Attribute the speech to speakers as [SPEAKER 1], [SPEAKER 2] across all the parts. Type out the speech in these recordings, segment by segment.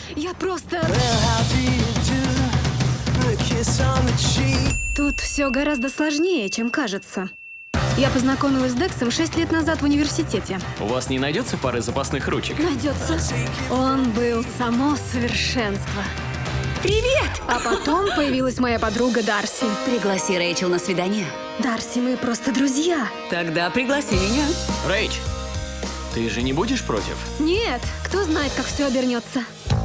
[SPEAKER 1] Я просто... Тут все гораздо сложнее, чем кажется. Я познакомилась с Дексом 6 лет назад в университете.
[SPEAKER 2] У вас не найдется пары запасных ручек?
[SPEAKER 1] Найдется. Он был само совершенство.
[SPEAKER 3] Привет!
[SPEAKER 1] А потом появилась моя подруга Дарси.
[SPEAKER 3] Пригласи Рэйчел на свидание.
[SPEAKER 1] Дарси, мы просто друзья.
[SPEAKER 3] Тогда пригласи меня.
[SPEAKER 2] Рэйч, ты же не будешь против?
[SPEAKER 1] Нет, кто знает, как все обернется.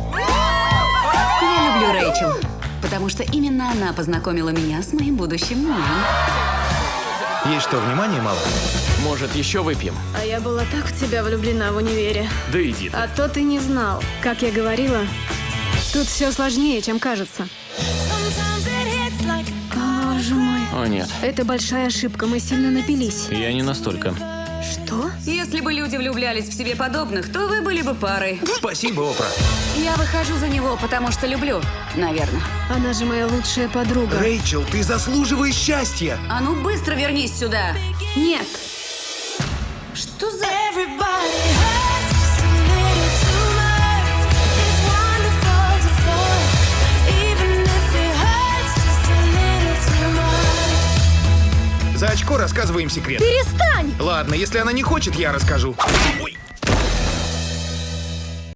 [SPEAKER 3] Я люблю Рэйчел, потому что именно она познакомила меня с моим будущим мужем.
[SPEAKER 4] Есть что, внимания мало?
[SPEAKER 2] Может, еще выпьем?
[SPEAKER 1] А я была так в тебя влюблена в универе.
[SPEAKER 2] Да иди ты.
[SPEAKER 1] А то ты не знал. Как я говорила, тут все сложнее, чем кажется. Боже мой.
[SPEAKER 2] О, нет.
[SPEAKER 1] Это большая ошибка, мы сильно напились.
[SPEAKER 2] Я не настолько.
[SPEAKER 1] Что?
[SPEAKER 3] Если бы люди влюблялись в себе подобных, то вы были бы парой.
[SPEAKER 4] Спасибо, Опра.
[SPEAKER 3] Я выхожу за него, потому что люблю, наверное.
[SPEAKER 1] Она же моя лучшая подруга.
[SPEAKER 4] Рэйчел, ты заслуживаешь счастья.
[SPEAKER 3] А ну быстро вернись сюда.
[SPEAKER 1] Нет.
[SPEAKER 3] Что за...
[SPEAKER 4] За очко рассказываем секрет.
[SPEAKER 1] Перестань!
[SPEAKER 4] Ладно, если она не хочет, я расскажу. Ой.